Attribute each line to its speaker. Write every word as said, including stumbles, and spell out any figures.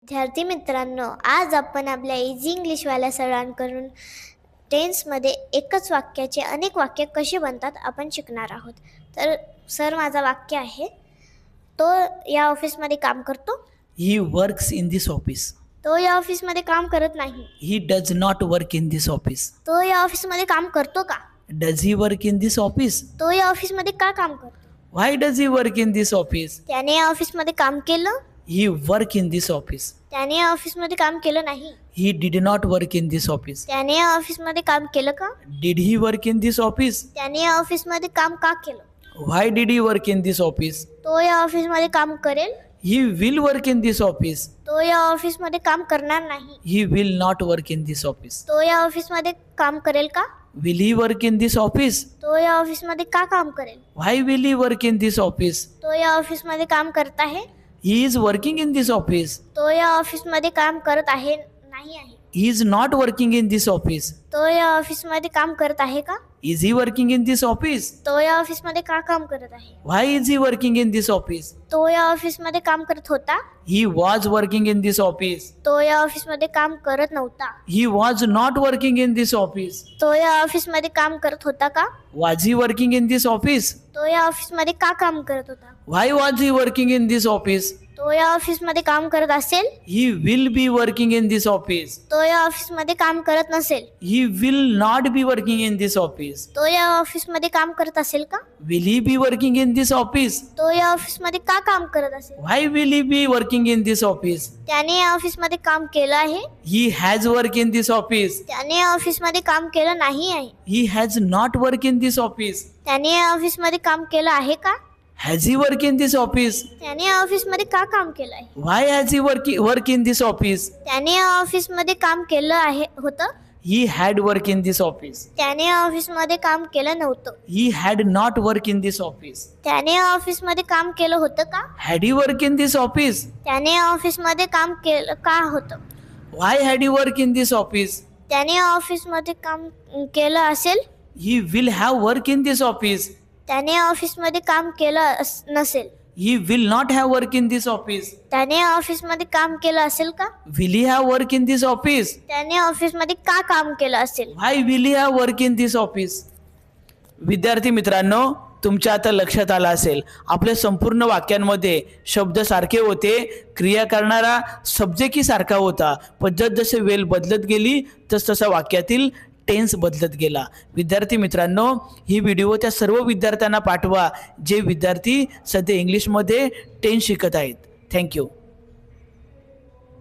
Speaker 1: विद्यार्थी मित्रांनो, आज आपण आपल्या इझी इंग्लिशवाल्या सरांकडून टेन्समध्ये एकच वाक्याचे अनेक वाक्य कसे बनतात आपण शिकणार आहोत. तर सर, माझं वाक्य आहे, तो या ऑफिसमध्ये काम करतो.
Speaker 2: He works in this office.
Speaker 1: तो या ऑफिसमध्ये काम करत नाही.
Speaker 2: He does not work in this office.
Speaker 1: तो या ऑफिसमध्ये काम करतो का?
Speaker 2: Does he work in this office?
Speaker 1: तो या ऑफिसमध्ये का काम करतो?
Speaker 2: Why does he work in this office?
Speaker 1: त्याने या ऑफिसमध्ये काम केलं.
Speaker 2: He work in this office.
Speaker 1: त्याने या ऑफिसमध्ये काम केलं नाही.
Speaker 2: He did not work in this office.
Speaker 1: त्याने या ऑफिसमध्ये काम केलं का?
Speaker 2: Did he work in this office?
Speaker 1: त्याने या ऑफिसमध्ये काम का केलं?
Speaker 2: Why did he work in this office?
Speaker 1: तो या ऑफिसमध्ये काम करेल.
Speaker 2: He will work in this office.
Speaker 1: तो या ऑफिसमध्ये काम करणार नाही.
Speaker 2: He will not work in this office.
Speaker 1: तो या ऑफिसमध्ये काम करेल का?
Speaker 2: Will he work in this office?
Speaker 1: तो या ऑफिसमध्ये का काम करेल?
Speaker 2: Why will he work in this office?
Speaker 1: तो या ऑफिसमध्ये काम करत आहे.
Speaker 2: He is working in this office.
Speaker 1: तो या ऑफिसमध्ये काम करत आहे नाही आहे.
Speaker 2: He is not working in this office.
Speaker 1: तो या ऑफिसमध्ये काम करत आहे का?
Speaker 2: Is he working in this office?
Speaker 1: तो या ऑफिसमध्ये का काम करत आहे?
Speaker 2: Why is he working in this office?
Speaker 1: तो या ऑफिसमध्ये काम करत होता.
Speaker 2: He was working in this office.
Speaker 1: तो या ऑफिसमध्ये काम करत नव्हता.
Speaker 2: He was not working in this office.
Speaker 1: तो या ऑफिसमध्ये काम करत होता का?
Speaker 2: Was he working in this office?
Speaker 1: तो या ऑफिसमध्ये का काम करत होता?
Speaker 2: Why was he working in this office?
Speaker 1: तो या ऑफिसमध्ये काम करत असेल.
Speaker 2: He will be working in this office.
Speaker 1: तो या ऑफिसमध्ये काम करत नसेल.
Speaker 2: He will not be working in this office.
Speaker 1: तो या ऑफिसमध्ये काम करत असेल का?
Speaker 2: Will he be working in this office?
Speaker 1: तो या ऑफिसमध्ये का काम करत असेल?
Speaker 2: Why will he be working in this office?
Speaker 1: त्याने या ऑफिसमध्ये काम केलं आहे.
Speaker 2: He has work in this office.
Speaker 1: त्याने या ऑफिसमध्ये काम केलं नाही आहे.
Speaker 2: He has not work in this office.
Speaker 1: त्याने या ऑफिसमध्ये काम केलं आहे का?
Speaker 2: Has he work in this office?
Speaker 1: त्याने या ऑफिसमध्ये का काम केलं आहे?
Speaker 2: Why has he work, work in this office?
Speaker 1: त्याने या ऑफिसमध्ये काम केलं आहे होतं.
Speaker 2: He had work in this office.
Speaker 1: त्याने या ऑफिसमध्ये काम केलं नव्हतं.
Speaker 2: He had not work in this office.
Speaker 1: त्याने या ऑफिसमध्ये काम केलं होतं का?
Speaker 2: Had he work in this office?
Speaker 1: त्याने या ऑफिसमध्ये काम केलं का होतं?
Speaker 2: Why had he work in this office?
Speaker 1: त्याने या ऑफिसमध्ये काम केलं असेल.
Speaker 2: He will have work in this office.
Speaker 1: त्याने या ऑफिसमध्ये काम केलं अस- नसेल.
Speaker 2: He will not have work in this office.
Speaker 1: त्याने या ऑफिसमध्ये काम केलं असेल का?
Speaker 2: Will he have work in this office?
Speaker 1: त्याने ऑफिसमध्ये का काम केलं असेल?
Speaker 2: Why will he have work in this office? विद्यार्थी मित्रांनो, तुमच्या आता लक्षात आलं असेल, आपल्या संपूर्ण वाक्यांमध्ये शब्द सारखे होते, क्रिया करणारा सब्जेक्टही सारखा होता, पण जसजसे वेळ बदलत गेली तसतसा वाक्यातील टेन्स बदलत गेला. विद्यार्थी मित्रांनो, ही व्हिडिओ त्या सर्व विद्यार्थ्यांना पाठवा जे विद्यार्थी सध्या इंग्लिशमध्ये टेन्स शिकत आहेत. थँक्यू.